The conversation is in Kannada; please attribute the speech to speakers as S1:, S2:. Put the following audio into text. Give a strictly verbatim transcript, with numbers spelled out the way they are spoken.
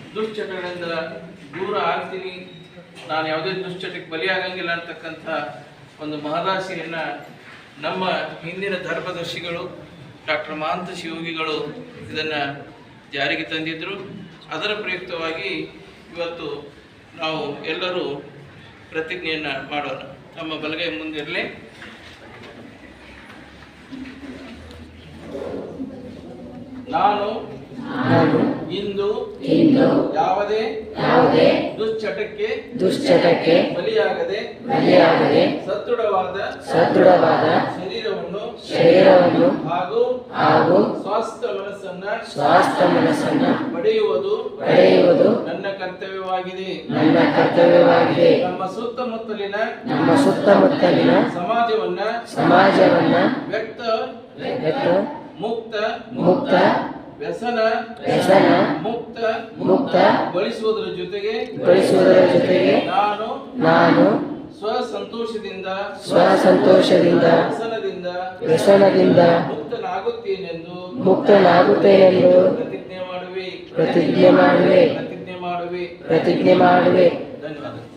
S1: ದುಶ್ಚಟಗಳಿಂದ ದೂರ ಆಗ್ತೀನಿ, ನಾನು ಯಾವುದೇ ದುಶ್ಚಟಕ್ಕೆ ಬಲಿಯಾಗಂಗಿಲ್ಲ ಅಂತಕ್ಕಂಥ ಒಂದು ಮಹದಾಸೆಯನ್ನು ನಮ್ಮ ಹಿಂದಿನ ಧರ್ಮದರ್ಶಿಗಳು ಡಾಕ್ಟರ್ ಮಹಾಂತ ಶಿವಯೋಗಿಗಳು ಇದನ್ನು ಜಾರಿಗೆ ತಂದಿದ್ದರು. ಅದರ ಪ್ರಯುಕ್ತವಾಗಿ ಇವತ್ತು ನಾವು ಎಲ್ಲರೂ ಪ್ರತಿಜ್ಞೆಯನ್ನು ಮಾಡೋಣ. ನಮ್ಮ ಬಲಗೈ ಮುಂದಿರಲಿ. ನಾನು ಇಂದು ಯಾವುದೇ ಯಾವುದೇ ದುಶ್ಚಟಕ್ಕೆ ದುಶ್ಚಟಕ್ಕೆ ಬಲಿಯಾಗದೆ ಬಲಿಯಾಗದೆ ಸದೃಢವಾದ ಸದೃಢವಾದ ಶರೀರವನ್ನು ಶರೀರವನ್ನು ಹಾಗೂ ಹಾಗೂ ಸ್ವಾಸ್ಥ್ಯ ಮನಸ್ಸನ್ನ ಸ್ವಾಸ್ಥ್ಯ ಮನಸ್ಸನ್ನ ಪಡೆಯುವುದು ಪಡೆಯುವುದು ನನ್ನ ಕರ್ತವ್ಯವಾಗಿದೆ ನನ್ನ ಕರ್ತವ್ಯವಾಗಿದೆ. ನಮ್ಮ ಸುತ್ತಮುತ್ತಲಿನ ನಮ್ಮ ಸುತ್ತಮುತ್ತಲಿನ ಸಮಾಜವನ್ನ ಸಮಾಜವನ್ನ ವ್ಯಕ್ತ ವ್ಯಕ್ತ ಮುಕ್ತ ಮುಕ್ತ ವ್ಯಸನ ವ್ಯಸನ ಮುಕ್ತ ಮುಕ್ತ ಗೊಳಿಸುವುದರ ಜೊತೆಗೆ ಗೊಳಿಸುವುದರ ಜೊತೆಗೆ ನಾನು ನಾನು ಸ್ವಸಂತೋಷದಿಂದ ಸ್ವಸಂತೋಷದಿಂದ ವ್ಯಸನದಿಂದ ವ್ಯಸನದಿಂದ ಮುಕ್ತನಾಗುತ್ತೇನೆಂದು ಮುಕ್ತನಾಗುತ್ತೇನೆಂದು ಪ್ರತಿಜ್ಞೆ ಮಾಡುವೆ ಪ್ರತಿಜ್ಞೆ ಮಾಡುವೆ ಪ್ರತಿಜ್ಞೆ ಮಾಡುವೆ ಪ್ರತಿಜ್ಞೆ ಮಾಡುವೆ. ಧನ್ಯವಾದ.